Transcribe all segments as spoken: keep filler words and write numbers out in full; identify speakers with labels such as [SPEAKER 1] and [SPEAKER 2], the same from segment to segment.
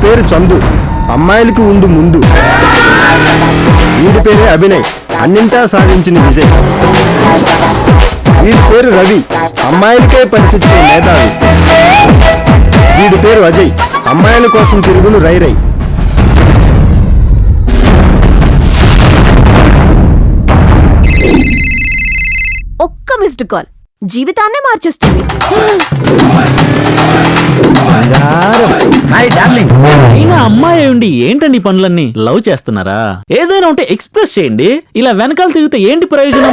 [SPEAKER 1] పేరు చందు, అమ్మాయిలకి ఉండు ముందు. వీడి పేరే అభినయ్, అన్నింటా సాధించిన విజయ్. వీడి పేరు రవి, అమ్మాయిలకే పరిచిచ్చే మేధావి. వీడి పేరు అజయ్, అమ్మాయిల కోసం తిరుగును రై రై.
[SPEAKER 2] ఒక్క మిస్డ్ కాల్ జీవితాన్నే మార్చేస్తుంది.
[SPEAKER 3] అయినా అమ్మాయి ఉండి ఏంటండి పనులన్నీ? లవ్ చేస్తున్నారా? ఏదైనా ఉంటే ఎక్స్ప్రెస్ చేయండి. ఇలా వెనకాల తిరిగితే ఏంటి ప్రయోజనం?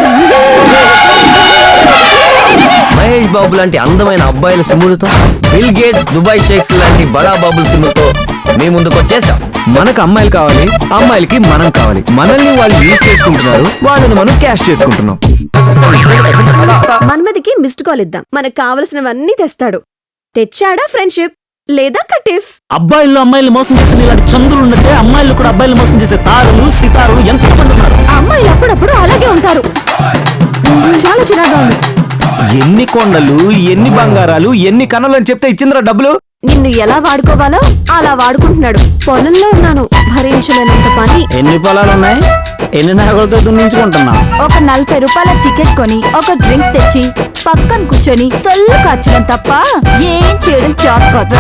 [SPEAKER 4] మహేష్ బాబు లాంటి అందమైన అబ్బాయిల సిమ్ములతో, బిల్ గేట్స్, దుబాయ్ షేక్స్ లాంటి బడా బాబుల సిమ్ములతో మీ ముందుకు వచ్చేసాం.
[SPEAKER 1] మనకు అమ్మాయిలు కావాలి, అమ్మాయిలకి మనం కావాలి. మనల్ని వాళ్ళు యూజ్ చేసుకుంటున్నారు, వాళ్ళని మనం క్యాష్ చేసుకుంటున్నాం.
[SPEAKER 2] మన్మదికి మిస్డ్ కాల్ ఇద్దాం, మనకు కావలసినవన్నీ తెస్తాడు. తెచ్చాడా ఫ్రెండ్షిప్ లేదా కటిఫ్?
[SPEAKER 3] అబ్బాయిలు అమ్మాయిలు మోసం చేసిన ఇలాంటి చంద్రులు ఉన్నట్టే అమ్మాయిలు కూడా అబ్బాయిలు మోసం చేసే తారలు, సితారులు ఎంతమంది ఉన్నారు.
[SPEAKER 2] అమ్మాయిలు అప్పుడప్పుడు అలాగే ఉంటారు. చాలా చిరాగా ఉంది.
[SPEAKER 1] ఎన్ని కొండలు, ఎన్ని బంగారాలు, ఎన్ని కన్నులు అని చెప్తే ఇచ్చిందిరా డబ్బులు.
[SPEAKER 2] నిన్ను ఎలా వాడుకోవాలో అలా వాడుకుంటున్నాడు. పొలంలో ఉన్నాను, భరించలేనంత పని.
[SPEAKER 3] ఎన్ని పొలాలున్నాయి? ఎన్ని నగలతో దున్నించుకుంటున్నా?
[SPEAKER 2] ఒక నలభై రూపాయల టికెట్ కొని ఒక డ్రింక్ తెచ్చి పక్కన కూర్చొని సొల్లు కాచడం తప్ప ఏం చేయడం చేత కాదు.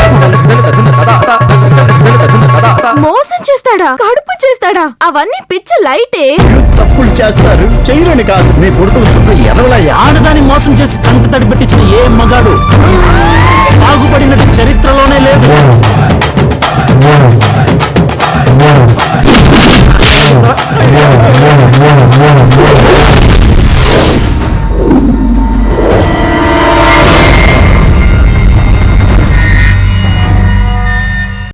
[SPEAKER 2] మోసం చేస్తాడా, కడుపు చేస్తాడా, అవన్నీ పిచ్చి లైటే.
[SPEAKER 1] తప్పులు చేస్తారు, చేయరని కాదు. మీ కొడుకులు శుభ్ర ఎదవలయ్యా.
[SPEAKER 3] ఆడదాన్ని మోసం చేసి కంట తడి పెట్టించిన ఏ మగాడు బాగుపడినట్టు చరిత్రలోనే లేదు.